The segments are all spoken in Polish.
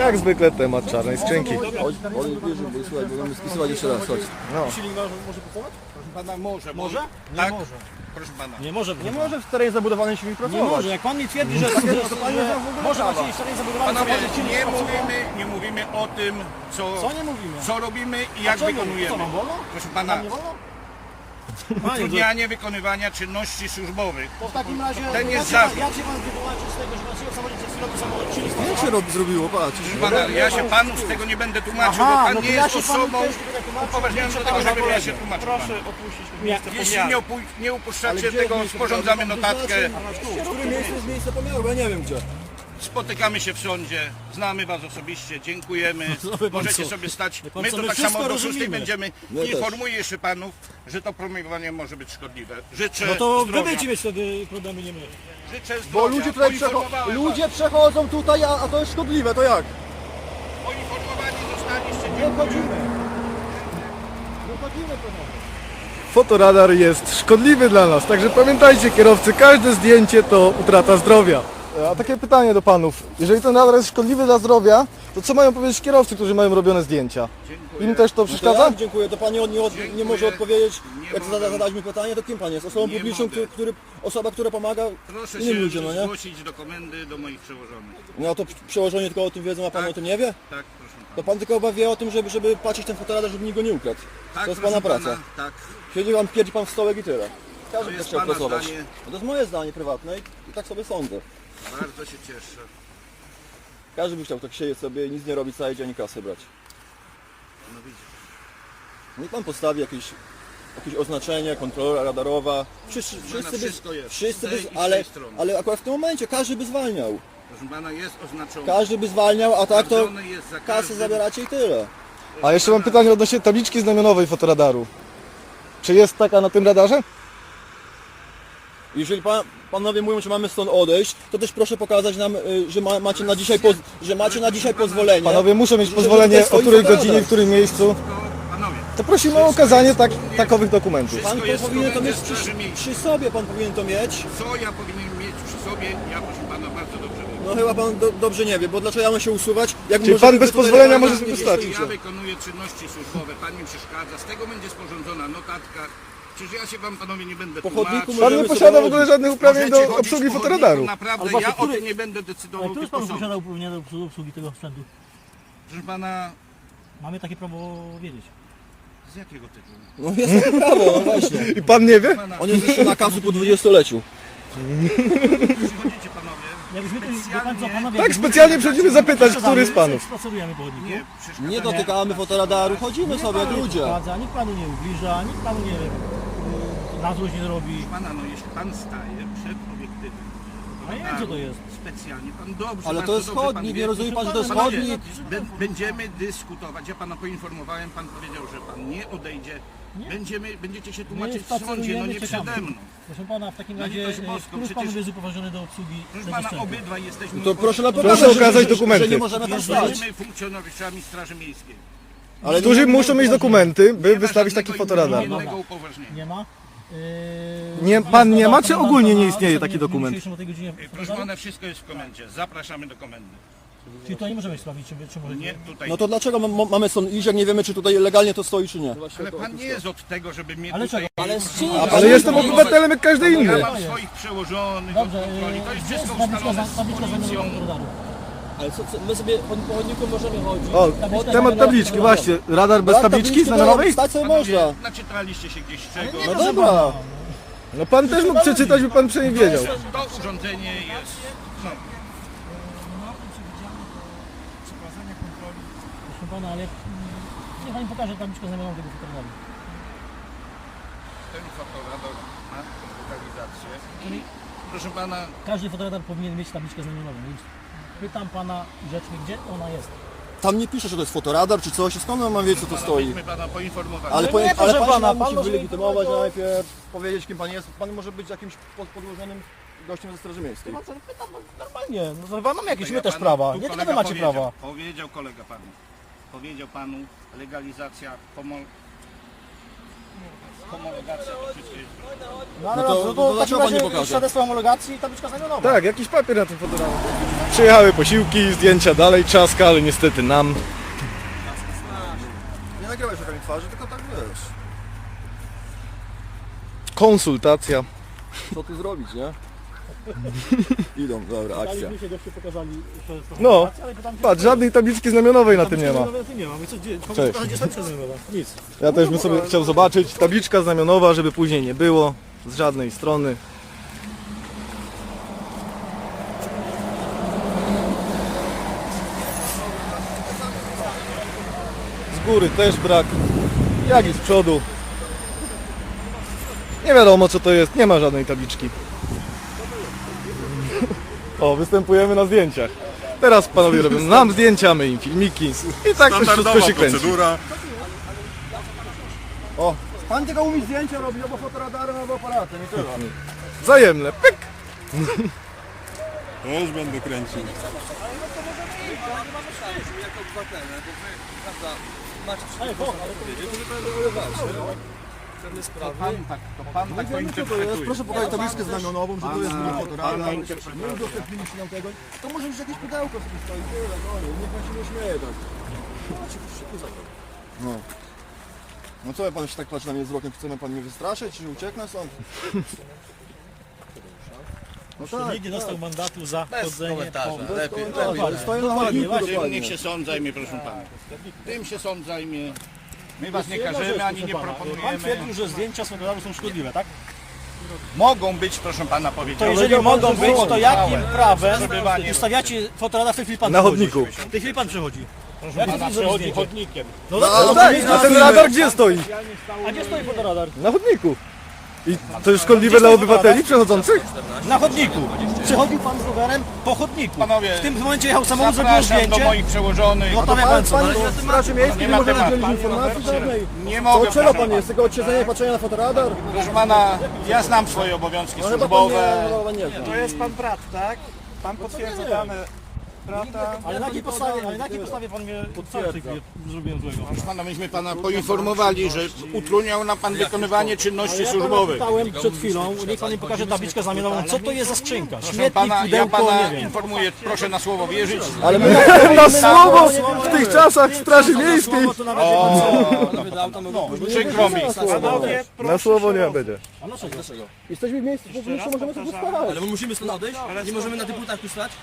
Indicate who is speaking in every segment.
Speaker 1: Jak zwykle temat czarnej skrzynki.
Speaker 2: Chodź, bierze, bo słuchaj, bo mamy spisywać jeszcze raz, chodź.
Speaker 1: No.
Speaker 3: Silnik może pracować?
Speaker 4: Proszę pana, może.
Speaker 3: Może? Nie
Speaker 4: Tak?
Speaker 3: może.
Speaker 4: Proszę pana.
Speaker 3: Nie może.
Speaker 1: Nie może w terenie zabudowanym silnik
Speaker 3: Nie
Speaker 1: pracować.
Speaker 3: może. Jak pan mi twierdzi, że
Speaker 1: to pan nie zna w ogóle
Speaker 3: może
Speaker 1: prawa.
Speaker 3: macie silnik zabudowany,
Speaker 4: Panowie,
Speaker 3: to silnik pracować.
Speaker 4: nie mówimy o tym,
Speaker 3: Co nie mówimy?
Speaker 4: co robimy i jak
Speaker 3: czemu?
Speaker 4: wykonujemy.
Speaker 3: Co, wam wolno?
Speaker 4: Proszę pana,
Speaker 3: Nam nie wolno? Panie,
Speaker 4: utrudnianie wykonywania czynności służbowych.
Speaker 3: to w takim razie
Speaker 4: Ten jest
Speaker 3: jak
Speaker 4: zarzut.
Speaker 3: się pan wytłumaczy z tego, że pan się od samochodzie przez chwilę do samochodu silnik
Speaker 2: Jak się zrobiło, patrz.
Speaker 4: Proszę pana, ja się panu z tego nie będę tłumaczył,
Speaker 3: Aha,
Speaker 4: bo pan
Speaker 3: no to
Speaker 4: nie
Speaker 3: ja
Speaker 4: jest
Speaker 3: się panu
Speaker 4: osobą
Speaker 3: też nie będę tłumaczył.
Speaker 4: upoważnioną do tego, żebym ja się tłumaczył panu.
Speaker 3: opuścić
Speaker 4: Jeśli nie upuszczacie tego, sporządzamy notatkę.
Speaker 2: W którym miejscu jest miejsce pomiaru, bo ja nie wiem gdzie.
Speaker 4: Spotykamy się w sądzie, znamy was osobiście, dziękujemy. Możecie sobie stać. My
Speaker 3: co,
Speaker 4: to
Speaker 3: my
Speaker 4: tak
Speaker 3: wszystko
Speaker 4: samo do 6
Speaker 3: rozumiemy.
Speaker 4: będziemy.
Speaker 2: My też.
Speaker 4: Informuję jeszcze panów, że to promowanie może być szkodliwe. Życzę
Speaker 3: No to wy
Speaker 4: zdrowia.
Speaker 3: będziecie mieć wtedy problemy, nie my.
Speaker 4: Życzę
Speaker 2: Bo
Speaker 4: zdrowia.
Speaker 2: ludzie tutaj
Speaker 4: Poinformowałem
Speaker 2: ludzie przechodzą tutaj, a to jest szkodliwe, to jak?
Speaker 4: was. Poinformowani zostaliście.
Speaker 3: Wychodzimy. Wychodzimy, panowie.
Speaker 1: Fotoradar jest szkodliwy dla nas, także pamiętajcie kierowcy, każde zdjęcie to utrata zdrowia. A takie pytanie do panów, jeżeli ten radar jest szkodliwy dla zdrowia, to co mają powiedzieć kierowcy, którzy mają robione zdjęcia?
Speaker 4: Dziękuję.
Speaker 1: Im też to
Speaker 2: To
Speaker 1: przeszkadza?
Speaker 2: jak? Dziękuję, to pan nie może odpowiedzieć,
Speaker 4: Nie
Speaker 2: jak
Speaker 4: mogę.
Speaker 2: zadać mi pytanie, to kim pan jest? Osobą
Speaker 4: Nie
Speaker 2: publiczną,
Speaker 4: mogę.
Speaker 2: osoba, która pomaga
Speaker 4: Proszę
Speaker 2: innym
Speaker 4: się
Speaker 2: ludziom, no nie?
Speaker 4: zgłosić do komendy, do moich przełożonych.
Speaker 2: No to przełożenie tylko o tym wiedzą, a pan
Speaker 4: Tak.
Speaker 2: o tym nie wie?
Speaker 4: Tak, proszę pana.
Speaker 2: To pan tylko chyba wie o tym, żeby patrzeć ten fotoradar, żeby nikt go nie ukradł.
Speaker 4: Tak,
Speaker 2: To jest
Speaker 4: proszę
Speaker 2: pana praca.
Speaker 4: Tak.
Speaker 2: Pierdzi pan w stołek i tyle. Każdy by
Speaker 4: jest
Speaker 2: chciał
Speaker 4: pana
Speaker 2: pracować.
Speaker 4: zdanie.
Speaker 2: No to jest moje zdanie prywatne i tak sobie sądzę.
Speaker 4: Bardzo się cieszę.
Speaker 2: Każdy by chciał tak siedzieć sobie i nic nie robić, cały dzień i kasę brać.
Speaker 4: No widzisz.
Speaker 2: Niech pan postawi jakieś oznaczenie, kontrola radarowa. Wszyscy
Speaker 4: wszystko jest.
Speaker 2: wszyscy
Speaker 4: Z tej i z
Speaker 2: by,
Speaker 4: tej strony.
Speaker 2: ale akurat w tym momencie każdy by zwalniał.
Speaker 4: Proszę pana, jest oznaczone.
Speaker 2: Każdy by zwalniał, a tak to
Speaker 4: Sprawdzone jest za
Speaker 2: kasę
Speaker 4: każdym-
Speaker 2: zabieracie i tyle.
Speaker 1: A jeszcze mam pytanie odnośnie tabliczki znamionowej fotoradaru. Czy jest taka na tym radarze?
Speaker 2: Jeżeli panowie mówią, że mamy stąd odejść, to też proszę pokazać nam, że macie na dzisiaj, pozwolenie.
Speaker 1: Panowie muszą mieć
Speaker 2: że
Speaker 1: pozwolenie,
Speaker 2: tutaj
Speaker 1: o
Speaker 2: stoi
Speaker 1: której
Speaker 2: fotoradar.
Speaker 1: godzinie, w którym miejscu.
Speaker 4: To, panowie,
Speaker 1: To prosimy o okazanie takowych dokumentów.
Speaker 2: Pan
Speaker 4: wszystko jest w
Speaker 2: powinien to mieć
Speaker 4: komendzie Straży Miejskiej.
Speaker 2: przy sobie, pan powinien to mieć.
Speaker 4: co ja powinienem mieć przy sobie, ja proszę pana bardzo dobrze wiem.
Speaker 2: No chyba pan dobrze nie wie, bo dlaczego ja mam się usuwać? Jak
Speaker 1: Czyli
Speaker 2: możemy
Speaker 1: pan bez
Speaker 2: tutaj
Speaker 1: pozwolenia
Speaker 2: legalnie
Speaker 1: może sobie
Speaker 2: nie
Speaker 1: stać?
Speaker 2: stoicie?
Speaker 4: Ja wykonuję czynności służbowe, pan mi przeszkadza, z tego będzie sporządzona notatka. Przecież ja się wam panowie nie będę
Speaker 2: Po chodniku
Speaker 4: tłumaczył.
Speaker 1: Pan nie
Speaker 2: Możemy
Speaker 1: posiada
Speaker 2: sobie
Speaker 1: w ogóle
Speaker 2: chodzić.
Speaker 1: żadnych uprawnień
Speaker 4: Możecie
Speaker 1: do
Speaker 4: chodzić
Speaker 1: obsługi
Speaker 4: po
Speaker 1: fotoradaru.
Speaker 4: chodniku, Naprawdę,
Speaker 3: Ale
Speaker 4: ja o
Speaker 3: który-
Speaker 4: tym nie będę
Speaker 3: Ale
Speaker 4: decydował,
Speaker 3: kto jest
Speaker 4: tylko
Speaker 3: panu
Speaker 4: sąd.
Speaker 3: posiada uprawnienia do obsługi tego sprzętu?
Speaker 4: Proszę pana,
Speaker 3: Mamy takie prawo wiedzieć.
Speaker 4: z jakiego tytułu?
Speaker 2: No jest takie prawo, no właśnie.
Speaker 1: I pan nie wie?
Speaker 4: Pana,
Speaker 2: On jest jeszcze nakazu po 20-leciu.
Speaker 4: przychodzicie panowie,
Speaker 3: Jakbyśmy tu, wie pan co, panowie...
Speaker 1: Tak, specjalnie przychodzimy zapytać, który z panów.
Speaker 3: Spacerujemy po chodniku.
Speaker 4: nie przeszkadzacie.
Speaker 2: Nie dotykamy fotoradaru, chodzimy sobie jak
Speaker 3: Panu nie
Speaker 2: ludzie.
Speaker 3: przeszkadza, nikt panu nie ubliża, nikt panu nie na złość nie robi.
Speaker 4: Pana, no jeśli pan staje przed obiektywem,
Speaker 3: A ja wiem co to jest.
Speaker 4: specjalnie, pan dobrze,
Speaker 2: Ale to
Speaker 4: bardzo
Speaker 2: jest
Speaker 4: dobrze pan
Speaker 2: chodnik,
Speaker 4: wie.
Speaker 2: nie rozumie pan, że to jest
Speaker 4: Panowie,
Speaker 2: chodnik?
Speaker 4: Będziemy dyskutować, ja pana poinformowałem, pan powiedział, że pan nie odejdzie. Będziecie się tłumaczyć w sądzie, no nie przede mną.
Speaker 3: Proszę pana, w takim
Speaker 4: Na
Speaker 3: razie,
Speaker 4: litość boską,
Speaker 3: który z
Speaker 4: przecież-
Speaker 3: panów jest upoważniony do obsługi
Speaker 4: Proszę
Speaker 3: tego
Speaker 4: pana,
Speaker 3: sprzętu?
Speaker 4: obydwaj jesteśmy
Speaker 2: To proszę na
Speaker 1: Proszę okazać dokumenty.
Speaker 2: że nie możemy tam stać.
Speaker 4: Jesteśmy funkcjonariuszami Straży Miejskiej.
Speaker 2: Ale
Speaker 1: Którzy muszą mieć dokumenty, by
Speaker 4: Nie ma
Speaker 1: wystawić taki
Speaker 4: żadnego
Speaker 1: fotoradar.
Speaker 4: innego upoważnienia.
Speaker 3: Nie ma?
Speaker 1: Nie, pan nie ma, czy ogólnie nie istnieje taki dokument?
Speaker 3: O tej godzinie
Speaker 4: Proszę pana, wszystko jest w komendzie. Zapraszamy do komendy.
Speaker 3: Czyli to nie możemy sprawdzić, czy może...
Speaker 4: Nie tutaj.
Speaker 2: No to dlaczego mamy stąd iść, jak nie wiemy, czy tutaj legalnie to stoi, czy nie?
Speaker 4: Ale pan nie jest od tego, żeby mnie
Speaker 3: Ale
Speaker 4: tutaj...
Speaker 3: czego? Ale z czym?
Speaker 1: Ale jestem obywatelem jak każdy
Speaker 4: Ja
Speaker 1: inny.
Speaker 4: mam swoich przełożonych od
Speaker 3: Dobrze,
Speaker 4: kontroli. To jest
Speaker 3: gdzie jest
Speaker 4: wszystko ustalone z
Speaker 3: tabliczka
Speaker 4: policją.
Speaker 3: zamiaru radaru?
Speaker 2: Ale my sobie po chodniku możemy chodzić.
Speaker 1: O, temat tabliczki, właśnie. Radar bez tabliczki znamionowej?
Speaker 2: Stać sobie
Speaker 4: Panowie,
Speaker 2: można.
Speaker 4: naczytaliście się gdzieś czego.
Speaker 2: No dobra.
Speaker 1: No pan też mógł przeczytać, by pan przynajmniej wiedział.
Speaker 4: To urządzenie jest... No,
Speaker 3: Proszę pana, ale niech pani pokaże tabliczkę znamionową tego fotoradara.
Speaker 4: ten fotoradar ma lokalizację. Proszę pana,
Speaker 3: Każdy fotoradar powinien mieć tabliczkę znamionową, więc pytam pana grzecznie, gdzie ona jest.
Speaker 2: Tam nie pisze, że to jest fotoradar czy coś, skąd mam wiedzieć, co to stoi?
Speaker 4: myśmy pana poinformowali.
Speaker 2: Ale,
Speaker 3: nie,
Speaker 2: ale
Speaker 3: proszę
Speaker 2: pan,
Speaker 3: pana,
Speaker 2: pan
Speaker 3: pan
Speaker 2: musi
Speaker 3: może
Speaker 2: wylegitymować
Speaker 3: to-
Speaker 2: najpierw, powiedzieć kim pan jest. Pan może być jakimś podłożonym gościem ze Straży Miejskiej.
Speaker 3: Pytam normalnie, no chyba mamy jakieś
Speaker 4: Ja
Speaker 3: my też
Speaker 4: panu-
Speaker 3: prawa,
Speaker 4: tu
Speaker 3: nie tylko
Speaker 4: kolega
Speaker 3: wy macie
Speaker 4: powiedział,
Speaker 3: prawa.
Speaker 4: Powiedział kolega panu. Powiedział panu legalizacja Homologacja to wszystko jest.
Speaker 3: No ale
Speaker 2: No to-
Speaker 3: dobrze,
Speaker 2: to
Speaker 3: w
Speaker 2: dlaczego
Speaker 3: takim
Speaker 2: pan nie
Speaker 3: razie
Speaker 2: pokaże?
Speaker 3: świadectwo homologacji i tabliczka znamionowa.
Speaker 1: Tak, jakiś papier na tym fotoradarze. Przyjechały posiłki, zdjęcia dalej, czaska, ale niestety nam.
Speaker 2: Nie nagrywaj szukami twarzy, tylko tak wiesz.
Speaker 1: Konsultacja.
Speaker 2: Co tu zrobić, nie? Idą, dobra, akcja.
Speaker 3: Daliśmy się, goście pokazali świadectwo
Speaker 1: No,
Speaker 3: homologacji, ale pytam się,
Speaker 1: patrz, żadnej tabliczki znamionowej na tym nie ma.
Speaker 3: Tabliczki nie ma. My co, gdzie
Speaker 1: Cześć.
Speaker 3: pokazać, gdzie tabliczka znamionowa? Nic.
Speaker 1: Ja też bym sobie chciał zobaczyć tabliczka znamionowa, żeby później nie było z żadnej strony. Z góry też brak, jak i z przodu. Nie wiadomo co to jest, nie ma żadnej tabliczki. O, występujemy na zdjęciach. Teraz panowie robią nam zdjęcia, my im filmiki i tak to wszystko się kręci.
Speaker 2: O, pan tylko umie zdjęcia robić, albo fotoradarem, albo aparatem i tyle.
Speaker 1: Wzajemne, pyk!
Speaker 5: Ja już będę kręcił.
Speaker 4: To pan tak to interpretuje.
Speaker 2: Proszę pokazać tabliczkę znamionową, że to jest
Speaker 4: Pana
Speaker 2: fotoradar.
Speaker 4: interpretuje.
Speaker 2: Nie udostępniliśmy nam tego. To może już jakieś pudełko sobie stoi, tyle, no, niech pan się nie śmieje tak. No. No co pan się tak patrzy na mnie wzrokiem? Chcemy pan mnie wystraszyć, czy ucieknę stąd? No tak,
Speaker 3: Nikt nie dostał mandatu za chodzenie po...
Speaker 2: lepiej.
Speaker 1: stoję na
Speaker 3: Dokładnie,
Speaker 1: chodniku
Speaker 3: właśnie.
Speaker 1: dokładnie.
Speaker 4: Niech się sąd zajmie, proszę pana. Tym się sąd zajmie. My was nie każemy, ani nie
Speaker 3: Pan
Speaker 4: proponujemy.
Speaker 3: twierdził, że zdjęcia z fotoradarzu są szkodliwe, tak?
Speaker 4: Mogą być, proszę pana,
Speaker 3: To
Speaker 4: powiedziałem.
Speaker 3: jeżeli mogą być, to jakim prawem
Speaker 4: Przebywanie.
Speaker 3: ustawiacie fotoradar, w tej chwili pan
Speaker 1: Na
Speaker 3: przechodzi?
Speaker 1: chodniku.
Speaker 3: W tej chwili pan przechodzi.
Speaker 4: Pana przechodzi chodnikiem.
Speaker 3: No
Speaker 1: No tak, a ten radar gdzie stoi?
Speaker 3: A gdzie stoi fotoradar?
Speaker 1: Na chodniku. I to jest szkodliwe dla obywateli przechodzących?
Speaker 3: Na chodniku. Przechodził pan z rowerem po chodniku.
Speaker 4: Panowie,
Speaker 3: W tym momencie jechał samochód, zrobił
Speaker 4: zapraszam do
Speaker 3: zdjęcie.
Speaker 4: moich przełożonych.
Speaker 3: No to wie pan co, ale
Speaker 1: w Straży Miejskiej
Speaker 4: Nie ma
Speaker 1: może
Speaker 4: tematu.
Speaker 1: udzielić informacji żadnej.
Speaker 4: Nie mogę, proszę pana.
Speaker 1: Tylko od siedzenia i patrzenia na fotoradar?
Speaker 4: Proszę pana, ja znam swoje obowiązki służbowe.
Speaker 6: To jest pan brat, tak? Pan potwierdza dane brata.
Speaker 3: Ale na jakiej podstawie pan mnie potwierdza? Zrobiłem złego.
Speaker 4: Proszę pana, myśmy pana poinformowali, że utrudniał nam pan wykonywanie czynności
Speaker 3: Ja pana
Speaker 4: służbowych.
Speaker 3: pytałem przed chwilą, niech pan mi pokaże tabliczkę znamionową, co to jest za skrzynka?
Speaker 4: Proszę
Speaker 3: Śmietnik,
Speaker 4: pana, ja
Speaker 3: pudełko,
Speaker 4: pana
Speaker 3: nie wiem.
Speaker 4: informuję, proszę na słowo wierzyć.
Speaker 1: Ale my na słowo w tych czasach w Straży Miejskiej.
Speaker 3: To nawet wie pan co.
Speaker 4: Przykro mi.
Speaker 6: Panowie,
Speaker 1: Na słowo nie będzie.
Speaker 3: A dlaczego?
Speaker 1: Jesteśmy w miejscu publicznym, możemy sobie postarać.
Speaker 2: Ale my musimy stąd odejść? Nie możemy na tych płytach tu stać?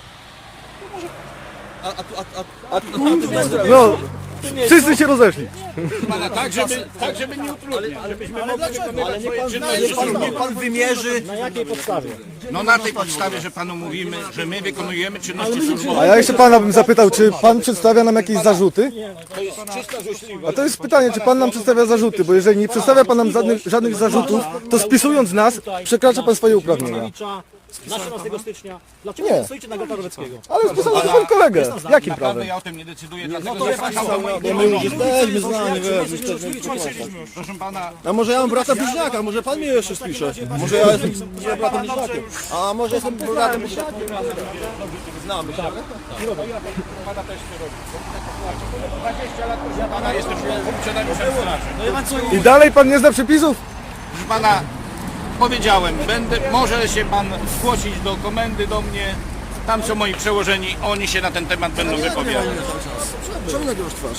Speaker 1: No, wszyscy się rozeszli.
Speaker 4: Pana, tak żeby nie utrudniać, żebyśmy mogli wykonywać swoje czynności służbowe.
Speaker 2: Pan wymierzy.
Speaker 3: Na jakiej podstawie?
Speaker 4: No na tej podstawie, że panu mówimy, że my wykonujemy czynności
Speaker 1: A
Speaker 4: służbowe.
Speaker 1: ja jeszcze pana bym zapytał, czy pan przedstawia nam jakieś zarzuty?
Speaker 4: To jest czysta złośliwość.
Speaker 1: A to jest pytanie, czy pan nam przedstawia zarzuty, bo jeżeli nie przedstawia pan nam żadnych zarzutów, to spisując nas, przekracza pan swoje uprawnienia.
Speaker 3: Na 13 stycznia. Dlaczego
Speaker 1: Nie.
Speaker 3: nie stoicie na Gata Roweckiego?
Speaker 1: Ale spisał pan kolegę. Jakim
Speaker 4: Naprawdę
Speaker 1: prawem?
Speaker 4: ja o tym nie decyduję, dlatego zapraszam do moich
Speaker 1: Jesteśmy znani,
Speaker 4: Proszę pana,
Speaker 2: A może ja mam brata bliźniaka, może pan mnie jeszcze spisze? Może ja jestem bratem bliźniakiem? A może jestem bratem bliźniakiem? Znamy się.
Speaker 4: pana jestem funkcjonariuszem straży.
Speaker 1: I dalej pan nie zna przepisów?
Speaker 4: Proszę pana, powiedziałem, może się pan zgłosić do komendy do mnie. Tam są moi przełożeni, oni się na ten temat będą wypowiadać.
Speaker 2: Czemu nagrywasz twarz?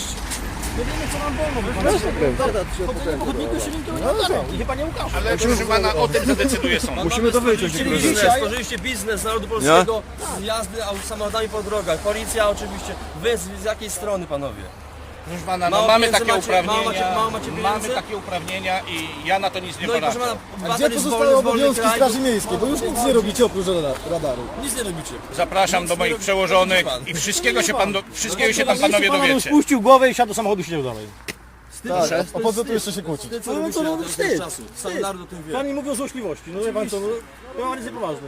Speaker 3: I chyba nie ukaże.
Speaker 4: Ale proszę pana, o tym zadecyduje sąd.
Speaker 2: Musimy to wyciąć.
Speaker 7: Stworzyliście biznes narodu polskiego z jazdy samochodami po drogach. Policja oczywiście. Wy z jakiej strony, panowie?
Speaker 4: Proszę pana, no
Speaker 7: Mało
Speaker 4: mamy
Speaker 7: pieniędzy
Speaker 4: takie
Speaker 7: macie,
Speaker 4: uprawnienia,
Speaker 7: mało macie
Speaker 4: mamy
Speaker 7: pieniędzy?
Speaker 4: takie uprawnienia i ja na to nic nie
Speaker 7: No i proszę
Speaker 4: poradzę.
Speaker 7: pana,
Speaker 1: Gdzie pozostały obowiązki Straży Miejskiej? Bo już nic nie robicie oprócz radaru.
Speaker 7: Nic nie robicie.
Speaker 4: Zapraszam do moich przełożonych i wszystkiego się tam panowie
Speaker 3: Pan
Speaker 4: dowiecie.
Speaker 3: spuścił głowę i siadł do samochodu i siedział dalej.
Speaker 1: Tak, o po co tu jeszcze się kłócić?
Speaker 7: Co robicie wstyd. Czasu. Stan narodu o tym wie.
Speaker 3: Pan mi mówi o złośliwości. No wie pan co, no, to jest niepoważne.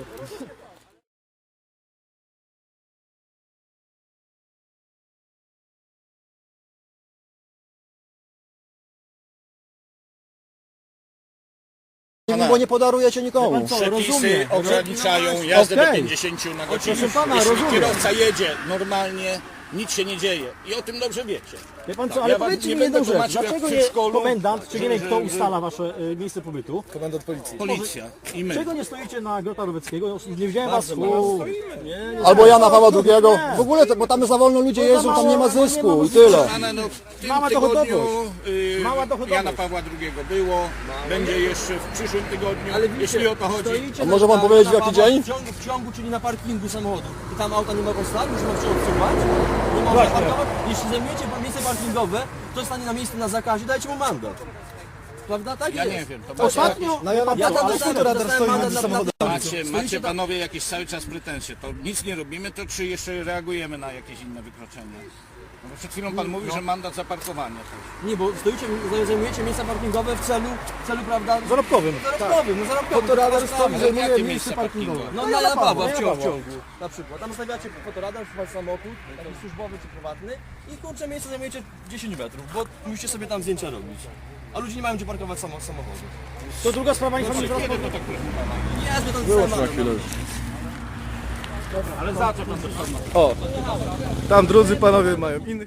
Speaker 2: Bo nie podarujecie nikomu.
Speaker 3: Co,
Speaker 4: Przepisy
Speaker 3: rozumiem.
Speaker 4: ograniczają jazdę do
Speaker 1: Okej.
Speaker 4: 50 na godzinę.
Speaker 1: Proszę pana,
Speaker 4: Jeśli
Speaker 1: rozumiem.
Speaker 4: kierowca jedzie normalnie, Nic się nie dzieje i o tym dobrze wiecie.
Speaker 3: Wie pan
Speaker 4: Tak,
Speaker 3: co, ale
Speaker 4: ja wam
Speaker 3: powiedzcie
Speaker 4: nie
Speaker 3: mi jedną
Speaker 4: będę
Speaker 3: rzecz.
Speaker 4: tłumaczył, jak
Speaker 3: Dlaczego
Speaker 4: w
Speaker 3: nie
Speaker 4: przedszkolu,
Speaker 3: komendant, czy nie wiem kto
Speaker 4: że-
Speaker 3: ustala wasze miejsce pobytu?
Speaker 1: Komendant policji.
Speaker 4: Policja i my.
Speaker 3: Czego nie stoicie na Grota Roweckiego? Nie widziałem was
Speaker 7: Bardzo
Speaker 3: u...
Speaker 2: Albo Jana Pawła II. W ogóle, bo tam za wolno ludzie jeżdżą, tam nie ma zysku i tyle.
Speaker 4: Anna, no, w tym
Speaker 3: Mała
Speaker 4: tygodniu
Speaker 3: dochodowość. Mała dochodowość.
Speaker 4: Jana Pawła II było, będzie jeszcze w przyszłym tygodniu,
Speaker 7: Ale widzicie,
Speaker 4: jeśli o to chodzi.
Speaker 7: stoicie
Speaker 2: A może pan powiedzieć, w jaki
Speaker 7: Pawła
Speaker 2: dzień?
Speaker 7: W ciągu, czyli na parkingu samochodu. I tam auta nie mogą stać, już ma się odsuwać. Nie można parkować. Jeśli zajmujecie miejsce parkingowe, to stanie na miejscu na zakazie, dajcie mu mandat. Prawda? Tak
Speaker 4: Ja
Speaker 7: jest.
Speaker 4: nie wiem, to
Speaker 3: Ostatnio...
Speaker 1: Na Jana
Speaker 7: Ja
Speaker 1: Pawła,
Speaker 7: tam
Speaker 1: ale skąd radar
Speaker 7: dostałem
Speaker 1: stoi
Speaker 7: mandat
Speaker 1: między
Speaker 7: na-
Speaker 1: samochodami?
Speaker 4: macie panowie jakieś cały czas pretensje, to nic nie robimy, to czy jeszcze reagujemy na jakieś inne wykroczenia? No bo przed chwilą pan mówił, że mandat za parkowanie też.
Speaker 7: Nie, bo stoicie, zajmujecie miejsca parkingowe w celu prawda?
Speaker 1: Zarobkowym.
Speaker 7: Zarobkowym, no zarobkowym.
Speaker 1: Fotoradar stoi,
Speaker 4: Ale
Speaker 1: zajmuje
Speaker 4: jakie
Speaker 1: miejsce
Speaker 4: miejsce
Speaker 1: parkingowe.
Speaker 4: parkingowe?
Speaker 7: No na Jana Pawła
Speaker 1: Jana
Speaker 7: w
Speaker 1: Pawła.
Speaker 7: ciągu, na przykład. Tam stawiacie fotoradar, wasz samochód, taki służbowy czy prywatny i kurczę miejsce zajmujecie 10 metrów, bo musicie sobie tam zdjęcia robić. A ludzie nie mają gdzie parkować samochodu.
Speaker 3: To druga sprawa, niech pan mi zaraz
Speaker 4: Kiedy
Speaker 3: powie.
Speaker 4: to tak proszę pana?
Speaker 7: Nie, jest to
Speaker 2: Wyłącz na chwilę.
Speaker 4: Ale za co pan to pan?
Speaker 1: O, tam drudzy panowie mają innych.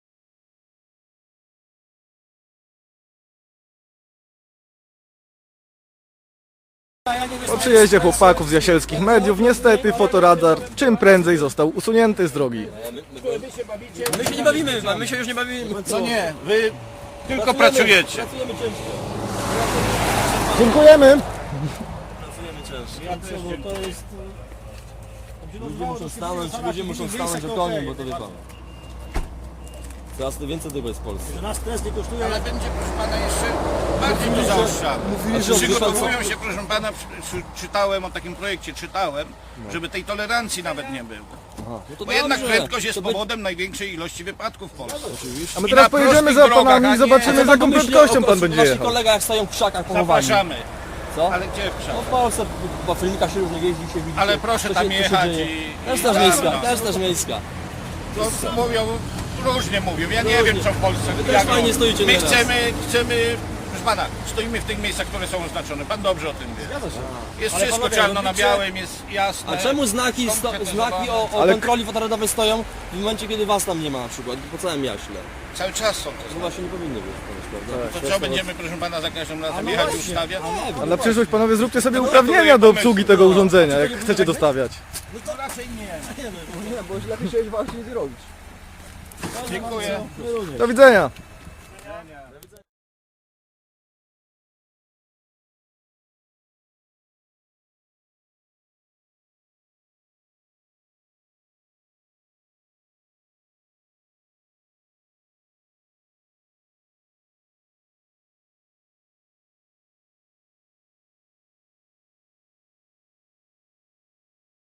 Speaker 1: Po przyjeździe chłopaków z jasielskich mediów niestety fotoradar czym prędzej został usunięty z drogi.
Speaker 7: My się nie bawimy, my się już nie bawimy.
Speaker 4: Co nie, wy tylko pracujecie.
Speaker 7: Pracujemy ciężko.
Speaker 1: Dziękujemy.
Speaker 7: Pracujemy ciężko.
Speaker 3: To jest...
Speaker 7: Ludzie muszą stanąć o koniu, bo to wie pan. Coraz to więcej tego jest w Polsce.
Speaker 3: Że nas stres nie kosztuje...
Speaker 4: Ale będzie, proszę pana, jeszcze bardziej to zaostrzane. Przygotowują się, proszę pana, czytałem o takim projekcie, żeby tej tolerancji nawet nie było.
Speaker 7: To
Speaker 4: Bo jednak
Speaker 7: dobrze.
Speaker 4: prędkość jest
Speaker 7: To by-
Speaker 4: powodem największej ilości wypadków w Polsce.
Speaker 1: A my
Speaker 4: I
Speaker 1: teraz
Speaker 4: na
Speaker 1: pojedziemy
Speaker 4: prostych
Speaker 1: za
Speaker 4: drogach,
Speaker 1: panami
Speaker 4: a
Speaker 1: i
Speaker 4: nie-
Speaker 1: zobaczymy za jaką
Speaker 7: Pomyślcie
Speaker 1: prędkością
Speaker 7: o
Speaker 1: pan będzie
Speaker 7: Waszych
Speaker 1: jechał.
Speaker 7: kolegach jak stoją w krzakach pochowani.
Speaker 4: Zapraszamy.
Speaker 7: Co?
Speaker 4: Ale gdzie w
Speaker 7: No
Speaker 4: krzak?
Speaker 7: w Polsce, po filmikach się różnie jeździ, się widzi.
Speaker 4: Ale proszę
Speaker 7: co
Speaker 4: tam
Speaker 7: się- co się
Speaker 4: jechać
Speaker 7: dzieje.
Speaker 4: i-
Speaker 7: Też
Speaker 4: i
Speaker 7: też
Speaker 4: tam,
Speaker 7: miejska,
Speaker 4: no.
Speaker 7: też też miejska.
Speaker 4: To mówią, różnie mówią. Ja nie wiem co w Polsce.
Speaker 7: Wy też
Speaker 4: jak
Speaker 7: fajnie
Speaker 4: robią.
Speaker 7: stoicie
Speaker 4: My
Speaker 7: nieraz.
Speaker 4: chcemy, proszę pana, stoimy w tych miejscach, które są oznaczone. Pan dobrze o tym wie. Jest
Speaker 7: Ale
Speaker 4: wszystko
Speaker 7: panowie,
Speaker 4: czarno na
Speaker 7: robicie-
Speaker 4: białym, jest jasne.
Speaker 7: A czemu znaki o
Speaker 1: Ale-
Speaker 7: kontroli fotoradowej stoją w momencie, kiedy was tam nie ma na przykład, po całym jaśle?
Speaker 4: Cały czas są te
Speaker 7: To
Speaker 4: znaki.
Speaker 7: właśnie nie powinny być, prawda?
Speaker 4: To co, będziemy, proszę pana, za każdym razem jechać i ustawiać?
Speaker 1: A na przyszłość panowie zróbcie sobie uprawnienia do obsługi tego urządzenia, jak chcecie dostawiać.
Speaker 4: No to raczej nie.
Speaker 2: Nie, bo lepiej się właśnie nie robić.
Speaker 4: Dziękuję.
Speaker 1: Do widzenia.